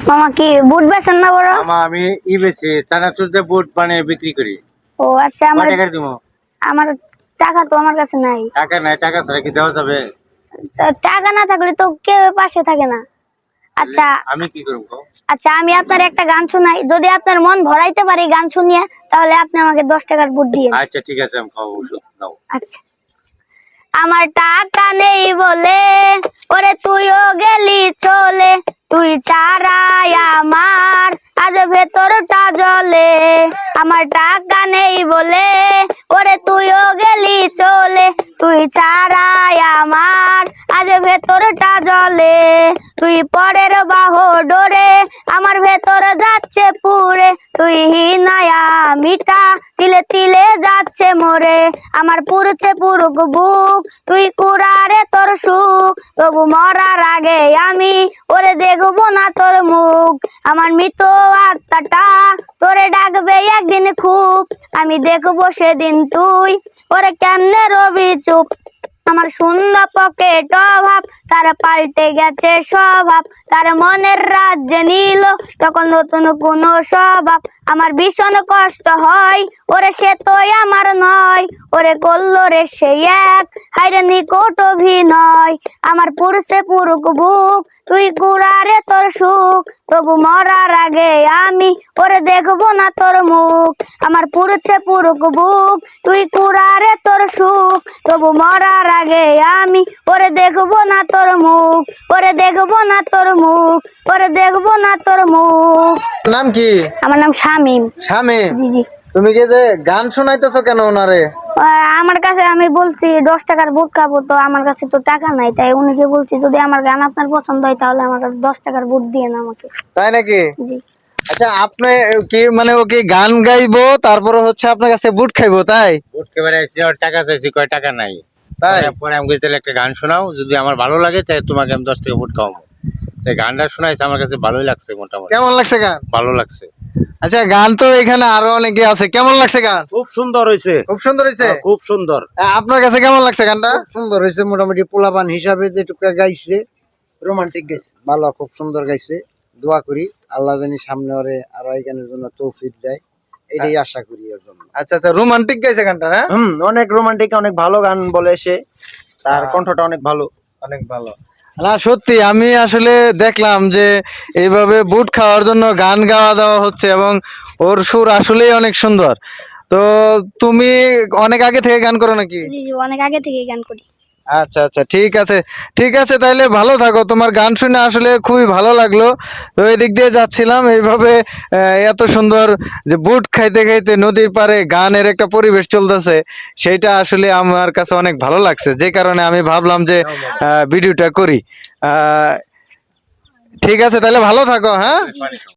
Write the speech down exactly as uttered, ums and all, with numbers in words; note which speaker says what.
Speaker 1: মামা কি বুট বেচেন না বড়?
Speaker 2: মামা আমি ই বেচি চানাচুর দিয়ে বুট বানিয়ে বিক্রি করি।
Speaker 1: ও আচ্ছা, আমার
Speaker 2: টাকা দিমু।
Speaker 1: আমার টাকা তো আমার কাছে নাই।
Speaker 2: টাকা নাই, টাকা ছাড়া কি দেওয়া যাবে?
Speaker 1: টাকা না থাকলে তো কেউ পাশে থাকে না। আচ্ছা
Speaker 2: আমি কি করব?
Speaker 1: আচ্ছা আমি আপনার একটা গান শোনাই, যদি আপনার মন ভরাইতে পারি গান শুনিয়ে, তাহলে আপনি আমাকে দশ টাকার বুট দিয়েন।
Speaker 2: আচ্ছা ঠিক আছে, আমি খাবো, দাও।
Speaker 1: আচ্ছা। আমার টাকা নেই বলে ওরে তুইও গেলি চলে, তুই ছাড়াই আমার আজ ভেতরটা জ্বলে। আমার টাকা নেই বলে ওরে তুইও গেলি চলে, তুই ছাড়াই আমার আজ ভেতরটা জ্বলে। তুই পরের বাহ ডোরে আমার ভেতর যাচ্ছে পুরে, তুই হিনায়া মিঠা তিলে তিলে যাচ্ছে মোরে। আমার পুরছে পুরুক বুক, তুই কুড়ারে তোর সুখ, তবু মরার আগে আমি ওরে দেখবো না তোর মুখ। আমার মৃত আত্মাটা তোরে ডাকবে একদিন খুব, আমি দেখবো সেদিন তুই ওরে কেমনে রবি চুপ। আমার সুন্দর পকেট অভাব, তার পাল্টে গেছে স্বভাব, তার মনের রাজ্যে নিল তখন নতুন কোন স্বভাব। আমার ভীষণ কষ্ট হয় ওরে সে তো আমার নয়, ওরে করলো রে সে এক হাইরে নিকট অভিনয়। আমার পুরুষে পুরুক বুক, তুই কুড়ারে তোর সুখ, তবু মরার আগে আমি ওরে দেখবো না তোর মুখ। আমার পুরুষে পুরুক বুক, তুই কুড়ারে তোর সুখ, তবু মরার আগে আমি ওরে দেখবো না তোর মুখ, ওরে দেখবো না তোর মুখ, ওরে দেখবো না তোর মুখ।
Speaker 3: নাম কি?
Speaker 1: আমার নাম শামীম।
Speaker 3: শামীম?
Speaker 1: জি জি।
Speaker 3: তুমি কি যে গান শোনাইতেছো কেন ওনারে?
Speaker 1: আমার কাছে আমি বলছি দশ টাকার বুট খাবো, তো আমার কাছে তো টাকা নাই, তাই উনিকে বলছি যদি আমার গান আপনার পছন্দ হয় তাহলে আমার দশ টাকার বুট দিয়ে না আমাকে।
Speaker 3: তাই নাকি?
Speaker 1: জি।
Speaker 3: আচ্ছা আপনি কি মানে ও কি গান গাইবো তারপরে হচ্ছে আপনার কাছে বুট খাইবো তাই?
Speaker 2: বুট খেয়ে আসছি, আর টাকা চাইছি, কয় টাকা নাই।
Speaker 3: তাই
Speaker 2: পরে আমি বলছি তাহলে একটা গান শোনাও, যদি আমার ভালো লাগে তাই তোমাকে আমি দশ টাকা বুট খাওয়াবো। তাই গানটা শোনাইছে, আমার কাছে ভালোই লাগছে, মোটামুটি
Speaker 3: কেমন লাগছে গান?
Speaker 2: ভালো লাগছে।
Speaker 3: আচ্ছা গান তো এখানে আরো অনেকে আছে, কেমন লাগছে গান?
Speaker 4: খুব সুন্দর হয়েছে,
Speaker 3: খুব সুন্দর হয়েছে।
Speaker 4: খুব সুন্দর।
Speaker 3: আপনার কাছে কেমন লাগছে গানটা?
Speaker 5: সুন্দর হয়েছে, মোটামুটি পোলাপান হিসাবে যেটুকু গাইছে রোমান্টিক গাইছে, ভালো, খুব সুন্দর গাইছে। দোয়া করি আল্লাহ জানি সামনে ওরে আরো এই গানের জন্য তৌফিক দেয়, এটাই আশা করি ওর জন্য।
Speaker 3: আচ্ছা আচ্ছা, রোমান্টিক গাইছে গানটা? হ্যাঁ
Speaker 5: হুম, অনেক রোমান্টিক, অনেক ভালো গান বলে সে, তার কণ্ঠটা অনেক ভালো,
Speaker 3: অনেক ভালো। না সত্যি আমি আসলে দেখলাম যে এইভাবে বুট খাওয়ার জন্য গান গাওয়া দেওয়া হচ্ছে এবং ওর সুর আসলেই অনেক সুন্দর। তো তুমি অনেক আগে থেকে গান করো নাকি?
Speaker 1: জি জি, অনেক আগে থেকে গান করি।
Speaker 3: আচ্ছা আচ্ছা, ঠিক আছে ঠিক আছে, তাহলে ভালো থাকো। তোমার গান শুনে আসলে খুবই ভালো লাগলো। তো এই দিক দিয়ে যাচ্ছিলাম, এইভাবে আহ, এত সুন্দর যে বুট খাইতে খাইতে নদীর পাড়ে গানের একটা পরিবেশ চলতেছে, সেইটা আসলে আমার কাছে অনেক ভালো লাগছে, যে কারণে আমি ভাবলাম যে আহ, ভিডিওটা করি। আহ, ঠিক আছে, তাহলে ভালো থাকো। হ্যাঁ।